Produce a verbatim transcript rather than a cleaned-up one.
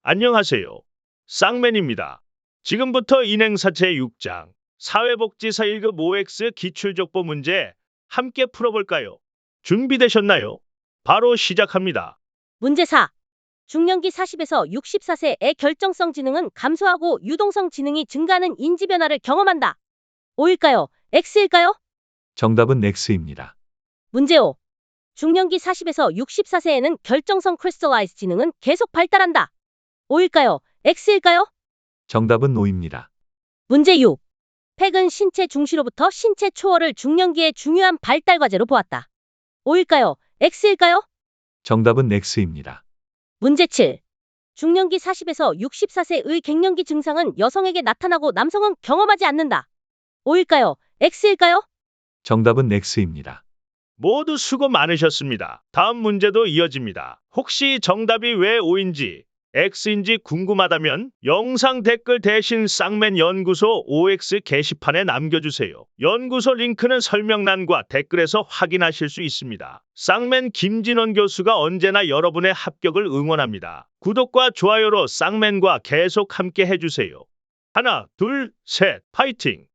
안녕하세요. 쌍맨입니다. 지금부터 인행사 제육 장 사회복지사 일 급 오엑스 기출족보 문제 함께 풀어볼까요? 준비되셨나요? 바로 시작합니다. 문제 사. 중년기 사십에서 육십사 세의 결정성 지능은 감소하고 유동성 지능이 증가하는 인지 변화를 경험한다. O일까요? X일까요? 정답은 X입니다. 문제 오. 중년기 사십에서 육십사 세에는 결정성 크리스탈라이즈 지능은 계속 발달한다. O일까요? X일까요? 정답은 O입니다. 문제 육. 팩은 신체 중시로부터 신체 초월을 중년기의 중요한 발달 과제로 보았다. O일까요? X일까요? 정답은 X입니다. 문제 칠. 중년기 사십에서 육십사 세의 갱년기 증상은 여성에게 나타나고 남성은 경험하지 않는다. O일까요? X일까요? 정답은 X입니다. 모두 수고 많으셨습니다. 다음 문제도 이어집니다. 혹시 정답이 왜 O인지 X인지 궁금하다면 영상 댓글 대신 쌍맨 연구소 오엑스 게시판에 남겨주세요. 연구소 링크는 설명란과 댓글에서 확인하실 수 있습니다. 쌍맨 김진원 교수가 언제나 여러분의 합격을 응원합니다. 구독과 좋아요로 쌍맨과 계속 함께 해주세요. 하나, 둘, 셋, 파이팅!